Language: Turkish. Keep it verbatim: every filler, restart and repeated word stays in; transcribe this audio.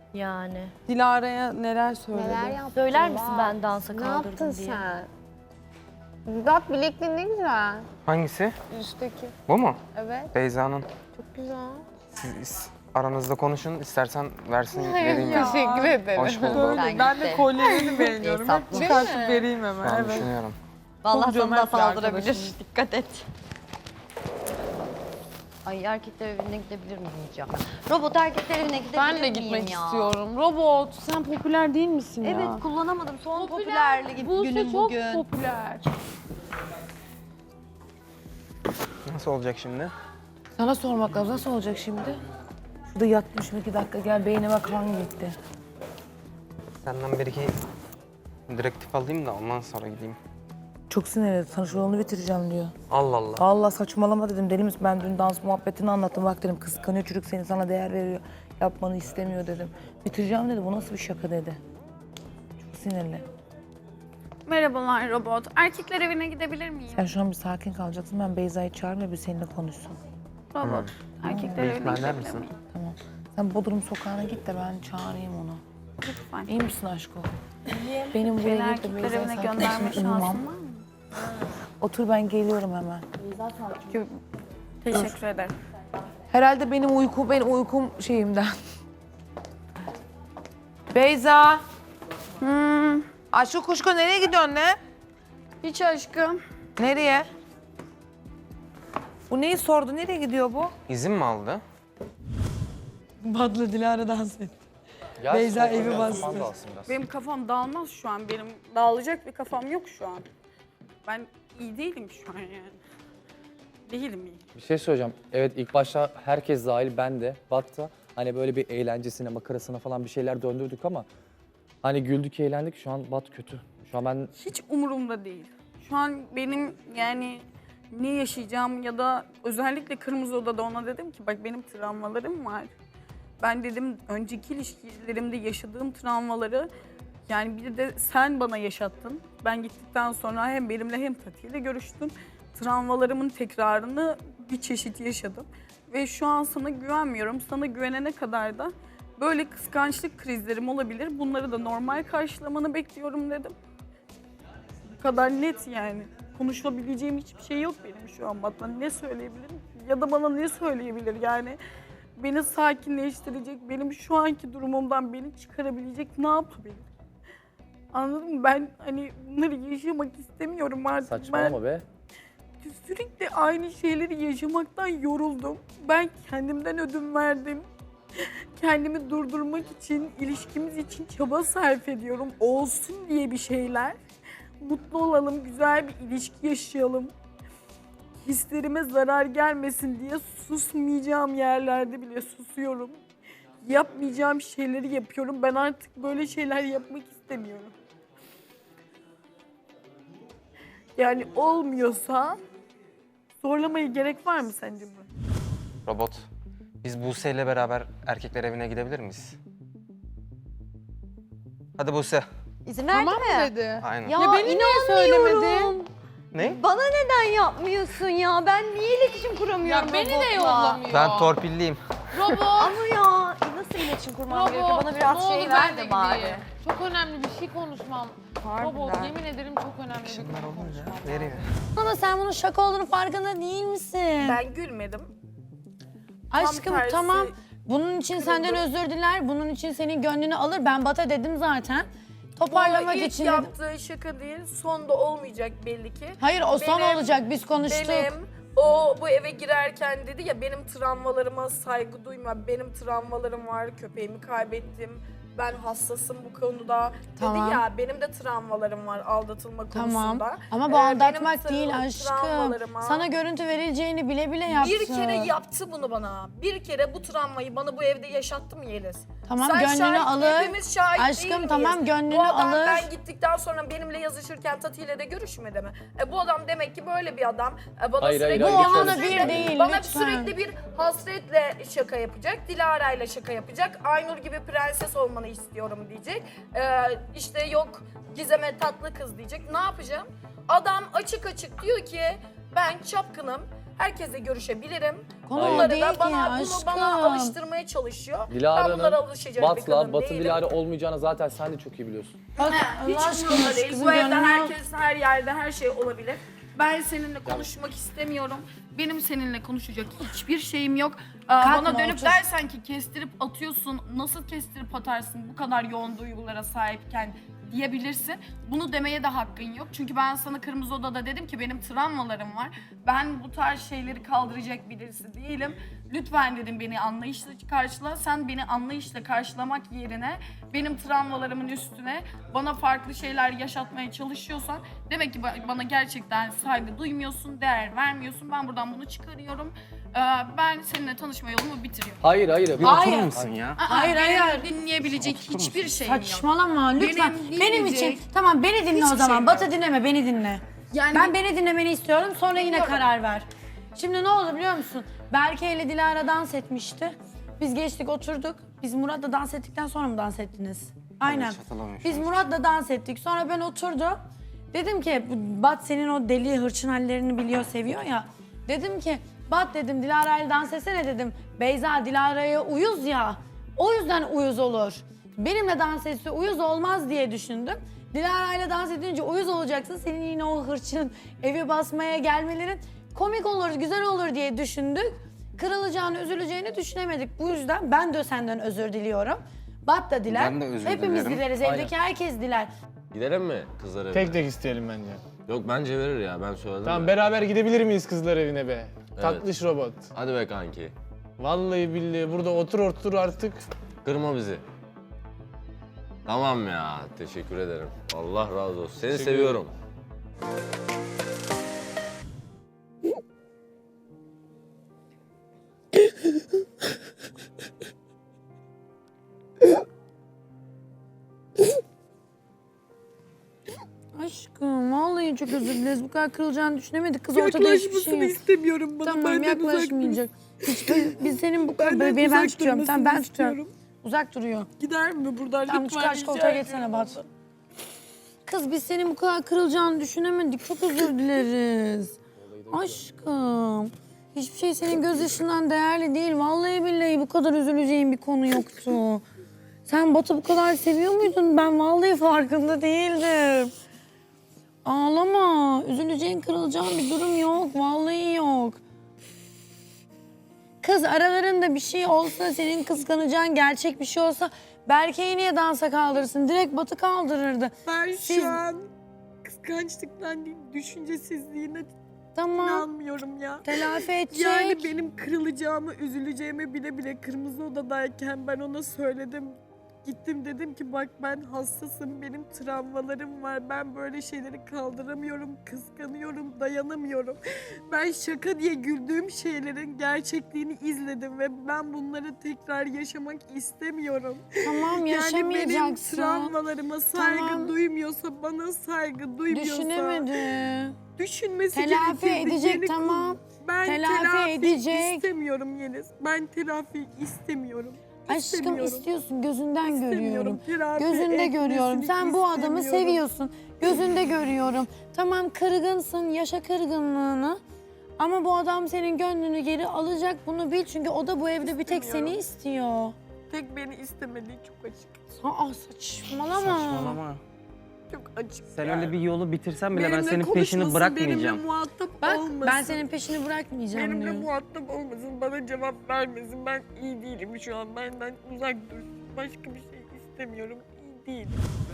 Yani. Dilara'ya neler söyledin? Neler yaptın? Söyler misin bak. ben dansa Ne kaldırdım yaptın diye? sen? Bak bilekliğin ne güzel. Hangisi? Üstteki. Bu mu? Evet. Beyza'nın. Çok güzel. Siz aranızda konuşun. İstersen versin vereyim. Ya. Teşekkür ederim. Hoş bulduk. Böyle, Ben ben de gitti. kolyelerini beğeniyorum. Hep Hesaplı. çıkartıp vereyim Şu hemen. an Evet. düşünüyorum. Vallahi Çok sana da cömert bir saldırabilir. arkadaşım. Dikkat et. Ay erkekler evine gidebilir miyim hiç ya? Robot erkekler evine gidebilir Ben de miyim gitmek ya? istiyorum. Robot, sen popüler değil misin ya? Evet kullanamadım. Son popülerlik Buse günüm çok bugün. popüler. Nasıl olacak şimdi? Sana sormak lazım. Nasıl olacak şimdi? Şurada yatmışım iki dakika gel beynime kan gitti. Senden bir iki direktif alayım da ondan sonra gideyim. Çok sinirli. Sana şu yolunu bitireceğim diyor. Allah Allah. Allah saçmalama dedim. Deli misin? Ben dün dans muhabbetini anlattım. Bak dedim kıskanıyor çocuk seni sana değer veriyor. Yapmanı istemiyor dedim. Bitireceğim dedi. Bu nasıl bir şaka dedi. Çok sinirli. Merhabalar robot. Erkekler evine gidebilir miyim? Sen şu an bir sakin kalacaksın. Ben Beyza'yı çağırayım ve bir seninle konuşsun. Robot. Erkekler Bir evine ihtimal der gidebilir misin? miyim? Tamam. Sen Bodrum sokağına git de ben çağırayım onu. Lütfen. İyi misin aşkım? Benim buraya Beni git de erkekler Beyza'yı evine sen gönderme kimsin? şansın Uyumam. var mı? Otur ben geliyorum hemen. Teşekkür ederim. Herhalde benim uyku, benim uykum şeyimden. Beyza. Hmm, Aşkı kuşku nereye gidiyorsun ne? hiç aşkım. Nereye? Bu neyi sordu? Nereye gidiyor bu? İzin mi aldı? Badlı Dilara dans etti. Ya Beyza işte, evi biraz bastı. zaman da alsın biraz. Benim kafam dağılmaz şu an. Benim dağılacak bir kafam yok şu an. Ben iyi değilim şu an yani. Değilim iyi. Bir şey söyleyeceğim. Evet ilk başta herkes dahil ben de Bat'ta hani böyle bir eğlencesine, makarasına falan bir şeyler döndürdük ama hani güldük, eğlendik. Şu an Bat kötü. Şu an ben Hiç umurumda değil. Şu an benim yani ne yaşayacağım ya da özellikle Kırmızı Oda'da ona dedim ki bak benim travmalarım var. Ben dedim önceki ilişkilerimde yaşadığım travmaları yani bir de sen bana yaşattın. Ben gittikten sonra hem benimle hem Tati ile görüştün. Travmalarımın tekrarını bir çeşit yaşadım. Ve şu an sana güvenmiyorum. Sana güvenene kadar da böyle kıskançlık krizlerim olabilir. Bunları da normal karşılamanı bekliyorum dedim. Bu kadar net yani. Konuşabileceğim hiçbir şey yok benim şu an. Bana ne söyleyebilirim ya da bana ne söyleyebilir yani. Beni sakinleştirecek, benim şu anki durumumdan beni çıkarabilecek ne yapabilir? Anladın mı? Ben hani bunları yaşamak istemiyorum artık. saçmalama Ben be. sürekli aynı şeyleri yaşamaktan yoruldum. Ben kendimden ödün verdim. Kendimi durdurmak için, ilişkimiz için çaba sarf ediyorum. Olsun diye bir şeyler. Mutlu olalım, güzel bir ilişki yaşayalım. Hislerime zarar gelmesin diye susmayacağım yerlerde bile susuyorum. Yapmayacağım şeyleri yapıyorum. Ben artık böyle şeyler yapmak istemiyorum. Yani olmuyorsa zorlamaya gerek var mı sence bu? Robot. Biz Buse ile beraber erkekler evine gidebilir miyiz? Hadi Buse. İzin verdi Tamam mi? mı dedi? Aynen. Ya, Ya beni niye inanmıyorum. söylemedi? Ne? Bana neden yapmıyorsun ya? Ben niye iletişim kuramıyorum Ya beni de robotla? yollamıyor. Ben torpilliyim. Robot. Ama ya nasıl iletişim kurmam gerekiyor? Bana biraz ne şey olur ver ben de de bari. gideyim. Çok önemli bir şey konuşmam. Robot Harbiden. yemin ederim çok önemli bir şey Bunlar olunca konuşmam. veriyor. Ama sen bunun şaka olduğunu farkında değil misin? Ben gülmedim. Aşkım tersi tamam. Bunun için senden özür diler. Bunun için senin gönlünü alır. Ben Bat'a dedim zaten. Toparlamak Bu ilk için dedim. yaptığı şaka değil, son da olmayacak belli ki. Hayır o son Benim- olacak. Biz konuştuk. Benim o bu eve girerken dedi ya benim travmalarıma saygı duyma, benim travmalarım var, köpeğimi kaybettim, ben hassasım bu konuda Tamam. dedi ya benim de travmalarım var aldatılma Tamam. konusunda. Ama bu Ee, aldatmak benim değil tra- aşkım. travmalarıma- Sana görüntü verileceğini bile bile yaptı. Bir kere yaptı bunu bana. Bir kere bu travmayı bana bu evde yaşattı mı Yeliz? Tamam, Sen gönlünü şahit, alır. hepimiz şahit Aşkım, değil miyiz? tamam, gönlünü bu adam, alır. Ben gittikten sonra benimle yazışırken Tati ile de görüşmedi mi? E, bu adam demek ki böyle bir adam. E, bana Hayır, hayır, sürekli, hayır, Bu şöyle ona söyleyeyim. bir değil Bana lütfen. sürekli bir hasretle şaka yapacak. Dilara ile şaka yapacak. Aynur gibi prenses olmanı istiyorum diyecek. E, işte yok Gizem'e tatlı kız diyecek. Ne yapacağım? Adam açık açık diyor ki ben çapkınım. Herkese görüşebilirim. Konu o Bunları değil da ki bana, ya, bunu bana aşkım. alıştırmaya çalışıyor. ben Dilara'nın bunlara alışacak bir Bat'la kadın Batı değilim. Dilara olmayacağını zaten sen de çok iyi biliyorsun. Bak, Hiç Allah aşkına umurumda şu değil. kızın Bu evde gönlünü al. herkes, her yerde her şey olabilir. Ben seninle konuşmak istemiyorum. Benim seninle konuşacak hiçbir şeyim yok. Aa, Kalkma, bana dönüp otur. dersen ki kestirip atıyorsun, nasıl kestirip atarsın bu kadar yoğun duygulara sahipken diyebilirsin. Bunu demeye de hakkın yok. Çünkü ben sana Kırmızı Oda'da dedim ki benim travmalarım var. Ben bu tarz şeyleri kaldıracak birisi değilim. Lütfen dedim beni anlayışla karşıla. Sen beni anlayışla karşılamak yerine benim travmalarımın üstüne bana farklı şeyler yaşatmaya çalışıyorsan demek ki ba- bana gerçekten saygı duymuyorsun, değer vermiyorsun. Ben buradan bunu çıkarıyorum. Ee, ben seninle tanışma yolumu bitiriyorum. Hayır hayır. Bir Hayır. oturur musun ya? Hayır, Benim hayır. dinleyebilecek hiçbir şeyim yok. Saçmalama lütfen. Benim Benim, dinleyecek için tamam beni dinle o hiçbir zaman. şeyim Batı yok. dinleme beni dinle. Yani Ben beni dinlemeni istiyorum sonra yine Dinliyorum. karar ver. Şimdi ne oldu biliyor musun? Berke ile Dilara dans etmişti. Biz geçtik oturduk. Biz Murat'la dans ettikten sonra mı dans ettiniz? Aynen. hiç hatırlamıyorum Biz şu an. Murat'la dans ettik. Sonra ben oturdum. Dedim ki Bat senin o deli hırçın hallerini biliyor, seviyor ya. Dedim ki Bat dedim Dilara ile dans etsene dedim. Beyza Dilara'ya uyuz ya. O yüzden uyuz olur. Benimle dans etse uyuz olmaz diye düşündüm. Dilara ile dans edince uyuz olacaksın. Senin yine o hırçın evi basmaya gelmelerin komik olur, güzel olur diye düşündük. Kırılacağını, üzüleceğini düşünemedik. Bu yüzden ben de senden özür diliyorum. Bat da diler. Ben de özür Hepimiz dilerim. dileriz. Evdeki herkes diler. Gidelim mi kızlar evine? Tek tek isteyelim bence. Yok bence verir ya ben söyledim. Tamam ya. beraber gidebilir miyiz kızlar evine be? Tatlış robot. Hadi be kanki. Vallahi billahi burada otur otur artık. Kırma bizi. Tamam ya teşekkür ederim. Allah razı olsun. Seni Teşekkür seviyorum. Aşkım vallahi çok özür dileriz. Bu kadar kırılacağını düşünemedik. Kız ortada hiçbir şey yok. istemiyorum bana. Tamam yaklaşmayacak. Hiç biz, biz senin bu kadar beni ben tutuyorum. Tamam ben tutuyorum. Uzak duruyor. Gider mi buradan? Tamam Lütfen çıkar şu rica koltuğa ediyorum. geçsene Bat. Kız biz senin bu kadar kırılacağını düşünemedik. Çok özür dileriz. Aşkım. Hiçbir şey senin gözyaşından değerli değil. Vallahi billahi bu kadar üzüleceğin bir konu yoktu. Sen Bat'ı bu kadar seviyor muydun? Ben vallahi farkında değildim. Ağlama. Üzüleceğin, kırılacağın bir durum yok. Vallahi yok. Kız aralarında bir şey olsa, senin kıskanacağın gerçek bir şey olsa Berke'yi niye dansa kaldırırsın? Direkt Batı kaldırırdı. Ben Siz- şu an kıskançlıktan değil, düşüncesizliğine Tamam. inanmıyorum ya. Telafi edecek. Yani benim kırılacağımı, üzüleceğimi bile bile Kırmızı Oda'dayken ben ona söyledim. Gittim dedim ki bak ben hassasım, benim travmalarım var. Ben böyle şeyleri kaldıramıyorum, kıskanıyorum, dayanamıyorum. Ben şaka diye güldüğüm şeylerin gerçekliğini izledim ve ben bunları tekrar yaşamak istemiyorum. Tamam Yani benim yaşamayacaksın. travmalarıma saygı Tamam. duymuyorsa, bana saygı duymuyorsa... Düşünemedi. Düşünmesi Telafi gerekirdi, edecek, yeni tamam. kul- Ben Telafi telafi, edecek. istemiyorum Yeliz. Ben telafi istemiyorum. Aşkım İstemiyorum. istiyorsun gözünden İstemiyorum. görüyorum. Telafi Gözünde etmesini görüyorum. Sen bu adamı istemiyorum. seviyorsun. Gözünde görüyorum. Tamam kırgınsın, yaşa kırgınlığını. Ama bu adam senin gönlünü geri alacak, bunu bil. Çünkü o da bu evde bir tek seni İstemiyorum. istiyor. Tek beni istemediği çok açık. Aa saçmalama. Saçmalama. Çok açık. Sen yani. öyle bir yolu bitirsen bile ben Benimle senin konuşmasın, peşini bırakmayacağım. Benimle muhatap Bak olmasın. ben senin peşini bırakmayacağım Benimle diyor. muhatap olmasın, bana cevap vermesin. Ben iyi değilim şu an. Benden uzak dursun. Başka bir şey istemiyorum. İyi değilim.